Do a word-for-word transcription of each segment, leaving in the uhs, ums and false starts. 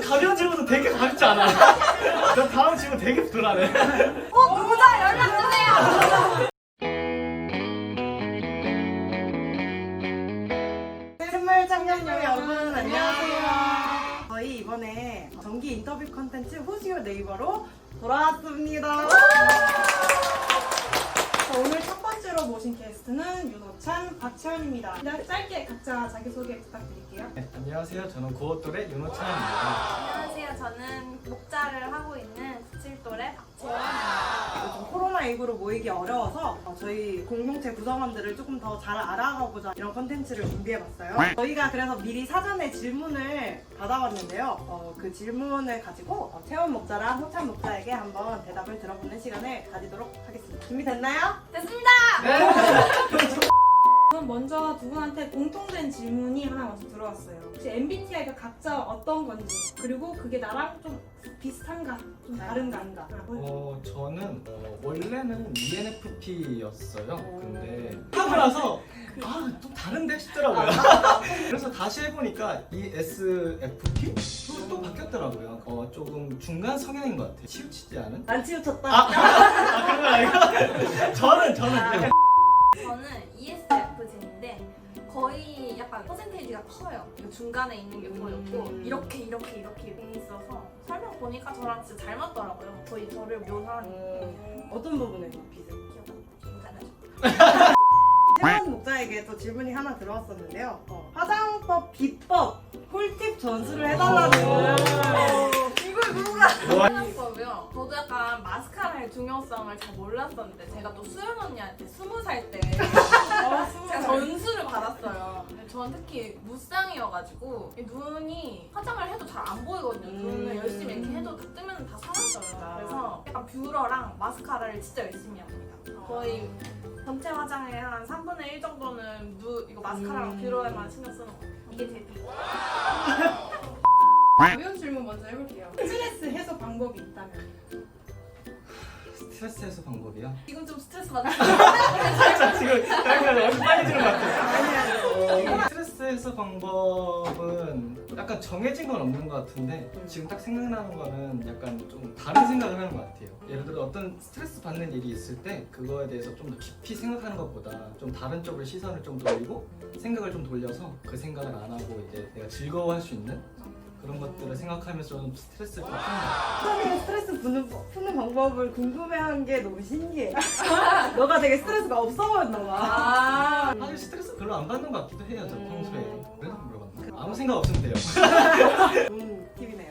가벼운 질문도 되게 가볍지 않아. 나 다음 질문 되게 불안해. 어, 누구다 연락 주세요. 샘물 청년 여러분 안녕하세요. 저희 이번에 정기 인터뷰 컨텐츠 Who's Your Neighbor로 돌아왔습니다. 자, 오늘 첫 번째로 모신 게스트는 윤호찬, 박채원입니다. 네, 짧게 각자 자기소개 부탁드릴게요. 네, 안녕하세요. 저는 고어돌의 윤호찬입니다. 안녕하세요. 저는 목자를 하고 있는 십칠 돌의 박채원입니다. 요즘 코로나십구로 모이기 어려워서 어, 저희 공동체 구성원들을 조금 더 잘 알아가고자 이런 컨텐츠를 준비해봤어요. 저희가 그래서 미리 사전에 질문을 받아봤는데요. 어, 그 질문을 가지고 어, 채원 목자랑 호찬 목자에게 한번 대답을 들어보는 시간을 가지도록 하겠습니다. 준비됐나요? 됐습니다. 그럼 먼저 두 분한테 공통된 질문이 하나 먼저 들어왔어요. 혹시 엠비티아이가 각자 어떤 건지, 그리고 그게 나랑 좀 비슷한가, 좀 다른가 한가. 어, 저는 어, 원래는 이엔에프피였어요. 근데 하고 나서 아, 좀 다른데 싶더라고요. 그래서 다시 해보니까 이에스에프피? 또, 또 바뀌었더라고요. 어, 조금 중간 성향인 것 같아요. 치우치지 않은? 안 치우쳤다. 아, 아 그런 거 아니고? 저는, 저는 약간 저는 이에스에프제인데 거의 약간 퍼센테이지가 커요. 이거 중간에 있는 게 보였고 음. 이렇게 이렇게 이렇게 돼 있어서 설명 보니까 저랑 진짜 잘 맞더라고요. 거의 저를 묘사한 음, 어떤 부분에서 비슷? 괜찮아요. 채원 목자에게 또 질문이 하나 들어왔었는데요. 어, 화장법 비법 꿀팁 전수를 해달라는. 이걸 누가 와. 화장법이요? 저도 약간 마스카라의 중요성을 잘 몰랐었는데 제가 또 수연 언니한테 스무 살 때 제가 전수를 받았어요. 근데 저는 특히 무쌍이어가지고 이 눈이 화장을 해도 잘 안 보이거든요. 눈을 음. 열심히 이렇게 해도 다 뜨면 다 사라져요. 그래서 약간 뷰러랑 마스카라를 진짜 열심히 합니다. 거의 전체 화장의 한 삼분의 일 정도는 누, 이거 마스카라랑 음. 뷰러에만 신경 쓰는 거. 이게 제일 비. 가벼운 질문 먼저 해볼게요. 스트레스 해소 방법이 있다면? 스트레스 해소 방법이요? 지금 좀 스트레스 받아. 살짝 지금 약간 얼굴 빨개지는 것 같아요. 어, 스트레스 해소 방법은 약간 정해진 건 없는 것 같은데 지금 딱 생각나는 거는 약간 좀 다른 생각을 하는 것 같아요. 예를 들어 어떤 스트레스 받는 일이 있을 때 그거에 대해서 좀 더 깊이 생각하는 것보다 좀 다른 쪽으로 시선을 좀 돌리고 생각을 좀 돌려서 그 생각을 안 하고 이제 내가 즐거워할 수 있는 그런 것들을 생각하면서 좀 스트레스를 좀 푸는 것 같아요. 처음에 스트레스 푸는, 푸는 방법을 궁금해한 게 너무 신기해. 너가 되게 스트레스가 없어 보였나 봐. 아. 사실 스트레스 별로 안 받는 것 같기도 해요. 저 평소에. 그래서 물어봤나? 아무 생각 없으면 돼요. 좋은 팁이네요.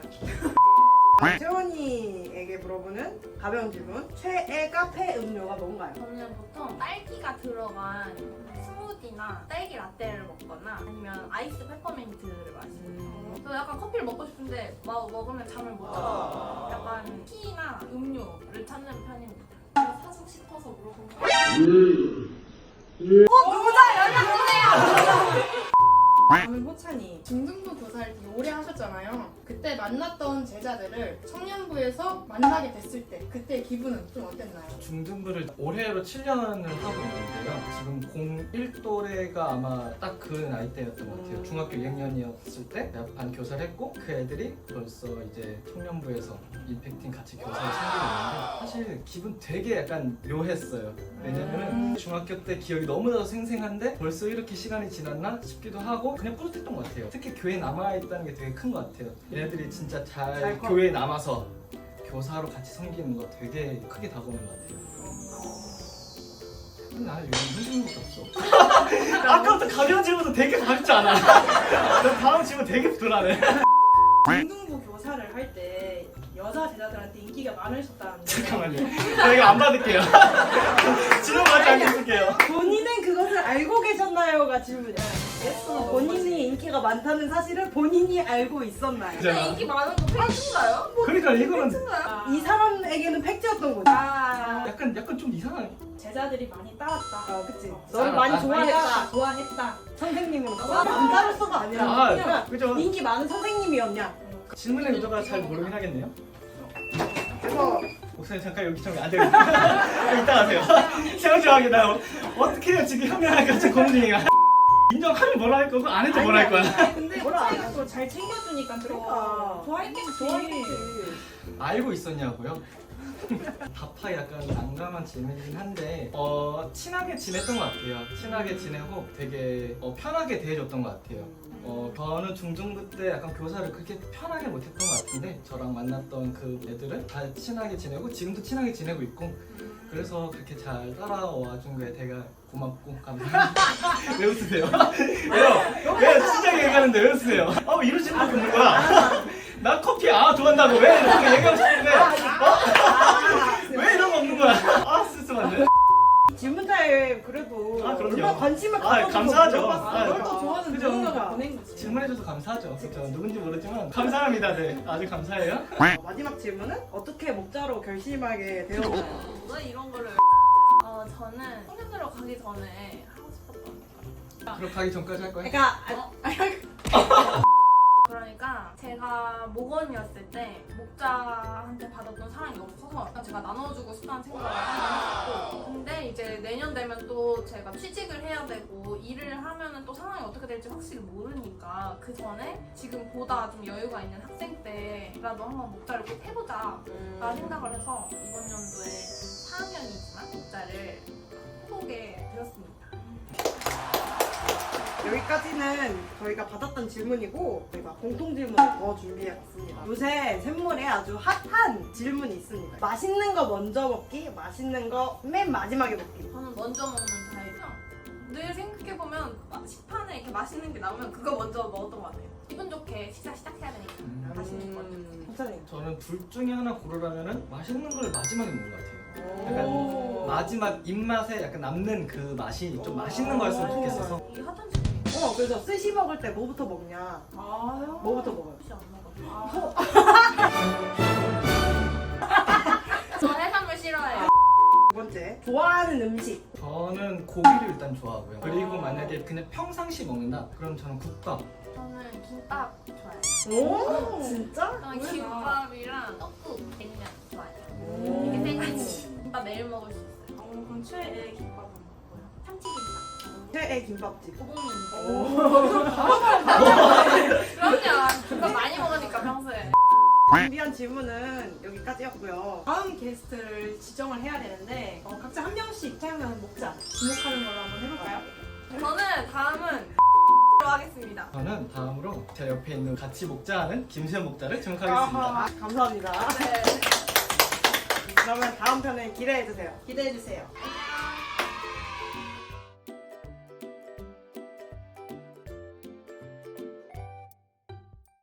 채원이에게 물어보는 가벼운 질문. 최애 카페 음료가 뭔가요? 저는 보통 딸기가 들어간 스무디나 딸기 라떼를 먹거나 아니면 아이스 페퍼민트를 마시거든요. 저 약간 커피를 먹고 싶은데 막 먹으면 잠을 못 자서 약간 티나 음료를 찾는 편입니다. 제가 사고 싶어서 물어본 거예요. 어, 누구다 연락 주세요. 저는 호찬이 중등부 교사를 되게 오래 하셨잖아요. 그때 만났던 제자들을 청년부에서 만나게 됐을 때 그때 기분은 좀 어땠나요? 중등부를 올해로 칠 년을 하고 있는데요. 지금 공일 또래가 아마 딱 그 나이대였던 것 같아요. 음. 중학교 이 학년이었을 때 내가 반 교사를 했고 그 애들이 벌써 이제 청년부에서 임팩팅 같이 교사를 섬기고 있는데 사실 기분 되게 약간 묘했어요. 왜냐면은 음. 중학교 때 기억이 너무나도 생생한데 벌써 이렇게 시간이 지났나 싶기도 하고 그냥 뿌듯했던 것 같아요. 특히 교회에 남아있다는 게 되게 큰 것 같아요. 얘네들이 진짜 잘, 잘 커. 교회에 남아서 교사로 같이 섬기는 거 되게 크게 다가오는 것 같아요. 나 요즘 힘든 것도 없어. 아까부터 가벼운 질문도 되게 가볍지 않아. 나 다음 질문 되게 불안해. 중등부 교사를 할 때 여자 제자들한테 인기가 많으셨다는데 잠깐만요. 저 이거 안 받을게요. 질문 받지 않겠을게요. 본인은 그것을 알고 계셨나요가 질문이야. 본인이 인기가 많다는 사실을 본인이 알고 있었나요? 근데 인기 많은 거 팩트인가요? 그러니까 이거는 이 사람에게는 팩트였던 거지. 아. 약간 약간 좀 이상한. 제자들이 많이 따랐다. 어, 그치. 아, 너를 많이 아, 좋아했다. 좋아했다. 선생님으로서 남자로서가 아니라 아, 그냥 그죠. 인기 많은 선생님이었냐. 질문의 의도가 잘 모르긴 하겠네요. 그래서 목사님 잠깐 여기 좀 앉아계세요. 이따 가세요. 세워줘하게 나 어떻게 해요 지금 현명하게 같이 고민 중이야. 인정하면 뭐라 할 거고 안 해도 뭐라 할 거야. 아니, 근데 뭐라 호차이가 또 잘 챙겨주니까 그러니까. 더 좋아했겠지. 좋아했지. 알고 있었냐고요? 다파 약간 난감한 질문이긴 한데 어 친하게 지냈던 것 같아요. 친하게 지내고 되게 어, 편하게 대해줬던 것 같아요. 어 저는 중등부 때 약간 교사를 그렇게 편하게 못했던 것 같은데 저랑 만났던 그 애들은 다 친하게 지내고 지금도 친하게 지내고 있고 그래서 그렇게 잘 따라와 준 거에 되게 고맙고 감사합니다. 왜 웃으세요? 왜요? 왜요? 진짜 얘기하는데 왜 웃으세요? 어 이런 질문 없는 거야? 나 커피 아 좋아한다고 왜 이렇게 얘기하고 싶은데 어? 왜 이런 거 없는 거야? 아 씁쓸한데? 질문자에 그래도 아, 그럼요. 얼마나 관심을 아, 가져주고 감사하죠. 물어봤어. 아, 그걸 또 좋아하는 그죠. 누군가가 보낸 거지. 질문해줘서 감사하죠. 그렇죠. 누군지 모르지만 감사합니다. 네, 아주 감사해요. 어, 마지막 질문은 어떻게 목자로 결심하게 되었나요? 왜 이런 거를 어 저는 청년으로 가기 전에 하고 싶었던 거. 그럼 가기 전까지 할 거야? 그러니까 어? 그러니까 제가 목원이었을 때 목자한테 받았던 사랑이 너무 커서 제가 나눠주고 싶다는 생각을 항상 했었고 근데 이제 내년 되면 또 제가 취직을 해야 되고 일을 하면은 또 상황이 어떻게 될지 확실히 모르니까 그 전에 지금보다 좀 여유가 있는 학생 때라도 한번 목자를 꼭 해보자 라는 생각을 해서 이번 연도에 사 학년이지만 목자를 해보게 되었습니다. 여기까지는 저희가 받았던 질문이고 저희가 공통 질문을 더 준비해봤습니다. 요새 샘물에 아주 핫한 질문이 있습니다. 맛있는 거 먼저 먹기, 맛있는 거 맨 마지막에 먹기. 저는 먼저 먹는 타입이요. 늘 생각해보면 식판에 이렇게 맛있는 게 나오면 그거 먼저 먹었던 것 같아요. 기분 좋게 식사 시작해야 되니까 음. 맛있는 거. 괜찮아요. 저는 둘 중에 하나 고르라면은 맛있는 걸 마지막에 먹는 것 같아요. 약간 오. 마지막 입맛에 약간 남는 그 맛이 좀 맛있는 거였으면 좋겠어서 이게 핫한 질문이에요. 어, 그래서 스시 먹을 때 뭐부터 먹냐? 아, 뭐부터 먹어요? 혹시 안 먹어요? 아. 저 해산물 싫어해요. 두 번째, 좋아하는 음식. 저는 고기를 일단 좋아하고요. 그리고 만약에 그냥 평상시 먹는다? 그럼 저는 국밥. 저는 김밥 좋아해요. 오, 진짜? 저는 뭐야? 김밥이랑 떡국, 냉면 좋아해요. 오. 이게 세 가지. 김밥 매일 먹을 수 있어요. 어, 그럼 최애 김밥은 뭐고요? 참치김밥. 최애 김밥집. 고봉인데. 오. 그럼요. 김밥 많이 먹으니까 평소에. 준비한 질문은 여기까지였고요. 다음 게스트를 지정을 해야 되는데 어, 각자 한 명씩 태어나는 목자 지목하는 걸로 한번 해볼까요? 저는 다음은 로 하겠습니다. 저는 다음으로 제 옆에 있는 같이 목자하는 김수현 목자를 지목하겠습니다. 아하, 감사합니다. 네. 그러면 다음 편에 기대해주세요. 기대해주세요.